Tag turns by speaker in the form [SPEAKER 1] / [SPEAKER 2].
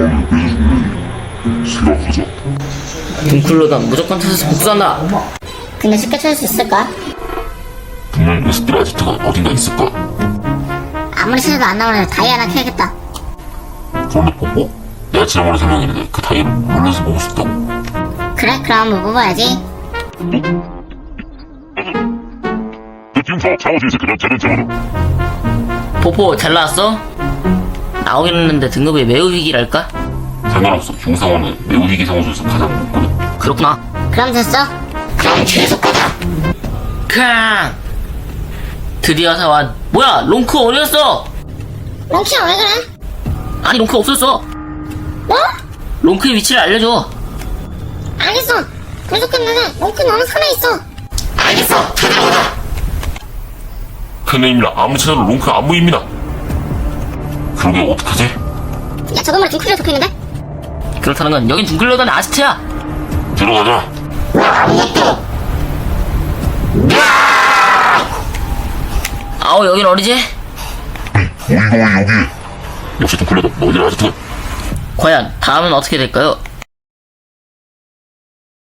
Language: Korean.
[SPEAKER 1] 생각하자.
[SPEAKER 2] 둥클로던 무조건 찾아서 복수한다.
[SPEAKER 3] 근데 쉽게 찾을 수 있을까?
[SPEAKER 1] 분명 녀석들 아지트가 어딘가 있을 거야.
[SPEAKER 3] 아무리 찾아도 안 나오는 다이 하나 캐야겠다.
[SPEAKER 1] 그런데 뽀뽀? 내가 지난번에 설명했는데 그 다이를 올려서 먹을 수 있다고.
[SPEAKER 3] 그래? 그럼 뭐 뽑아야지.
[SPEAKER 1] 지금 창호지에서 그냥 재련장으로.
[SPEAKER 2] 포포 잘 나왔어? 나오긴 했는데 등급이 매우 위기랄까?
[SPEAKER 1] 상관없어. 흉상원은 매우 위기 상황에서 가장 높거든.
[SPEAKER 2] 그렇구나.
[SPEAKER 3] 그럼 됐어?
[SPEAKER 1] 그럼 계속 가자.
[SPEAKER 2] 캉! 드디어 사완. 뭐야, 롱크 어디였어?
[SPEAKER 3] 롱키야 왜 그래?
[SPEAKER 2] 아니, 롱크 없었어.
[SPEAKER 3] 뭐?
[SPEAKER 2] 롱크의 위치를 알려줘.
[SPEAKER 3] 알겠어. 부족했는데 롱키 너는 산에 있어.
[SPEAKER 1] 알겠어. 찾아오자. 큰애입니다. 아무리 찾아도 롱크 안 보입니다. 그러게 어떡하지?
[SPEAKER 3] 야 저건물에 둥클리가 적혀있는데?
[SPEAKER 2] 그렇다는 건 여긴 둥클로던 아지트야.
[SPEAKER 1] 들어가자.
[SPEAKER 2] 아우, 여긴 어디지?
[SPEAKER 1] 우리가 왜 여기? 역시 둥클레다. 너희들 아지트.
[SPEAKER 2] 과연 다음은 어떻게 될까요?